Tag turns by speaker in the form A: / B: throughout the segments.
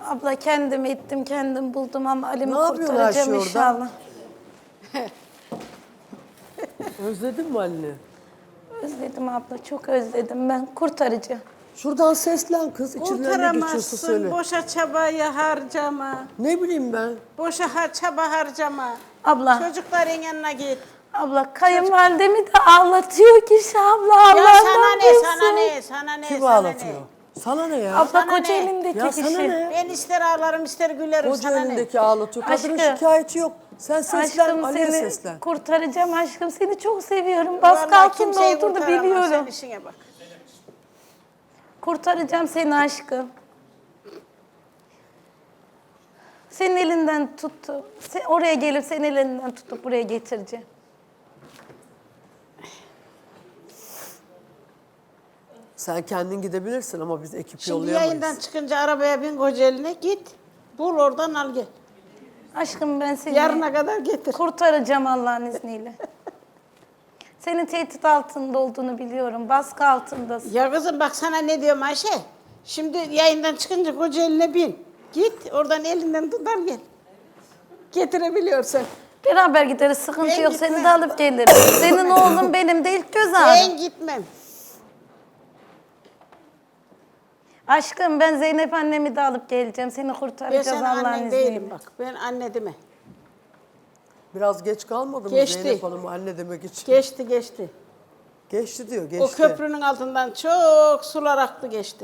A: Abla kendim ettim, kendim buldum ama Ali'mi
B: Ne yapıyorsun
A: kurtaracağım
B: Ayşe orada?
A: inşallah.
B: Özledin mi Ali'ni?
A: Özledim abla, çok özledim ben. Kurtaracağım.
B: Şuradan seslen kız. İçinden ne geçiyorsa söyle.
C: Kurtaramazsın, boşa çabayı harcama.
B: Ne bileyim ben.
C: Boşa çaba harcama.
A: Abla,
C: Çocukların yanına git.
A: abla kayınvalidemi de ağlatıyor kişi abla.
C: Ya
A: Allah'tan
C: sana ne,
A: bilsin.
C: sana ne, sana ne,
B: Kim
C: sana
B: ağlatıyor?
C: ne?
B: Sana ne ya?
A: Abla
C: Sana
A: koca
C: ne?
A: elindeki
B: Ya
A: kişi.
B: sana ne?
C: Ben ister ağlarım ister gülerim,
B: Koca
C: sana ne?
B: elindeki ağlatıyor. Kadının
A: Aşkım.
B: şikayeti yok. Sen seslen,
A: Aşkım
B: Ali'ye
A: seni
B: seslen.
A: kurtaracağım aşkım. Seni çok seviyorum. Baskı
C: Vallahi
A: altında
C: kimseyi
A: olduğunu
C: kurtaramaz,
A: biliyorum.
C: sen işine bak.
A: Kurtaracağım seni aşkım. Senin elinden tuttu. Oraya gelip senin elinden tutup buraya getireceğim.
B: Sen kendin gidebilirsin ama biz ekip
C: Şimdi
B: yollayamayız.
C: yayından çıkınca arabaya bin Kocaeli'ne git. Bul oradan al gel.
A: Aşkım ben seni
C: Yarına kadar getir.
A: kurtaracağım Allah'ın izniyle. Senin tehdit altında olduğunu biliyorum. Baskı altındasın.
C: Ya kızım bak sana ne diyorum Ayşe. Şimdi yayından çıkınca Kocaeli'ne bin. Git oradan elinden tut al gel. Getirebiliyorsan.
A: Beraber gideriz. Sıkıntı
C: Ben
A: yok.
C: gitmem.
A: Seni de alıp gelirim. Senin oğlun benim de ilk göz ağrım.
C: Ben gitmem.
A: Aşkım ben Zeynep annemi de alıp geleceğim. Seni
C: Ben
A: kurtaracağız
C: senin
A: Allah'ın
C: annen
A: izniyle.
C: değilim bak. Ben anne deme.
B: Biraz geç kalmadı mı
C: Geçti.
B: Zeynep Hanım anne demek için?
C: Geçti geçti.
B: Geçti diyor, geçti.
C: O köprünün altından çok sular aktı geçti.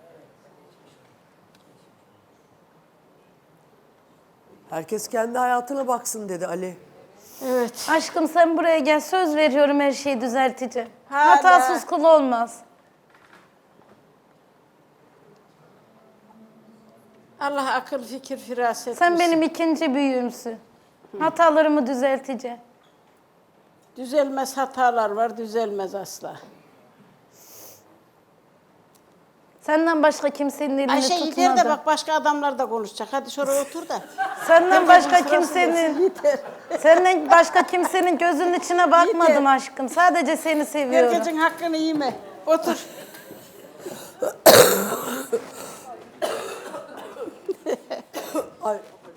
B: Herkes kendi hayatına baksın dedi Ali.
C: Evet.
A: Aşkım sen buraya gel. Söz veriyorum her şeyi düzelteceğim.
C: Hala.
A: Hatasız kul olmaz.
C: Allah akıl fikir firaset
A: Sen
C: versin.
A: benim ikinci büyüğümsün. Hatalarımı düzelteceğim.
C: Düzelmez hatalar var, düzelmez asla.
A: Senden başka kimsenin elini
C: Ayşe
A: tutmadım.
C: yeter de bak başka adamlar da konuşacak. Hadi şuraya otur da.
A: Senden başka
C: Herkesin sırası
A: kimsenin
C: gelsin, yeter.
A: senden başka kimsenin gözünün içine bakmadım aşkım. Sadece seni seviyorum.
C: Herkesin hakkını yeme. Otur.
B: Ay,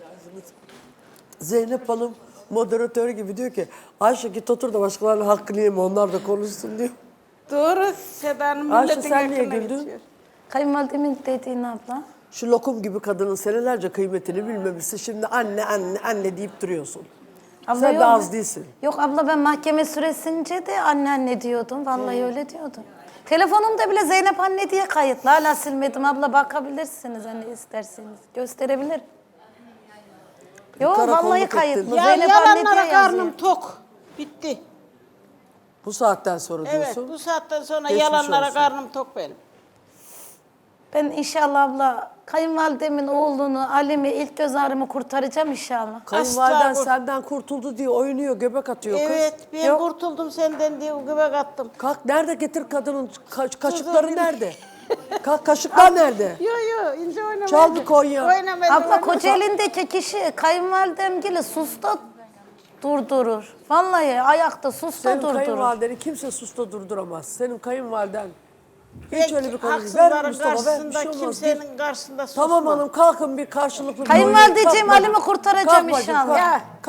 B: Zeynep Hanım moderatör gibi diyor ki Ayşe git otur da başkalarının hakkını yeme onlar da konuşsun diyor.
C: Doğru. Seda'nın
B: Ayşe,
C: milletin
B: sen niye
C: hakkına
B: güldün?
C: geçiyor.
A: Kayınvalidemin dediğin abla.
B: Şu lokum gibi kadının senelerce kıymetini bilmemişsin. Şimdi anne anne anne deyip duruyorsun.
A: Abla
B: Sen
A: yok
B: de
A: mu?
B: az değilsin.
A: Yok abla ben mahkeme süresince de anne anne diyordum. Vallahi öyle diyordum. Telefonumda bile Zeynep anne diye kayıtlı. Hala silmedim abla bakabilirsiniz hani isterseniz. Gösterebilirim. Yok
B: karakolluk
A: vallahi
B: ettin.
A: kayıtlı.
C: Ya
A: Zeynep anne diye
C: yalanlara
A: yazıyor.
C: karnım tok. Bitti.
B: Bu saatten sonra
C: Evet
B: diyorsun.
C: bu saatten sonra
B: Geçmiş
C: yalanlara
B: olsun.
C: karnım tok benim.
A: Ben inşallah abla kayınvalidemin oğlunu Ali'mi ilk göz ağrımı kurtaracağım inşallah.
B: Kayınvaliden
C: Asla
B: senden kurtuldu diye oynuyor, göbek atıyor kız.
C: Evet ben
A: Yok.
C: kurtuldum senden diye göbek attım.
B: Kalk nerede getir kadının kaşıkları nerede? Kalk kaşıklar nerede?
C: Yo yo ince oynama.
B: Çal bir Konya.
C: Oynama.
A: Abla Kocaeli'ndeki kişi kayınvalidemgili susta durdurur. Vallahi ayakta susta
B: Senin
A: durdurur.
B: kayınvalideni kimse susta durduramaz. Senin kayınvaliden hiç öyle bir konu değil. Ver
C: Haksızların
B: Mustafa ver bir
C: karşısında
B: şey olmaz.
C: kimsenin karşısında susma.
B: Tamam hanım kalkın bir karşılıklı bir
A: Kayınvalideciğim
B: oynayın. Kalk
A: Ali'mi
B: bacım,
A: kurtaracağım
B: kalk bacım,
A: inşallah.
B: kalk.
C: Ya.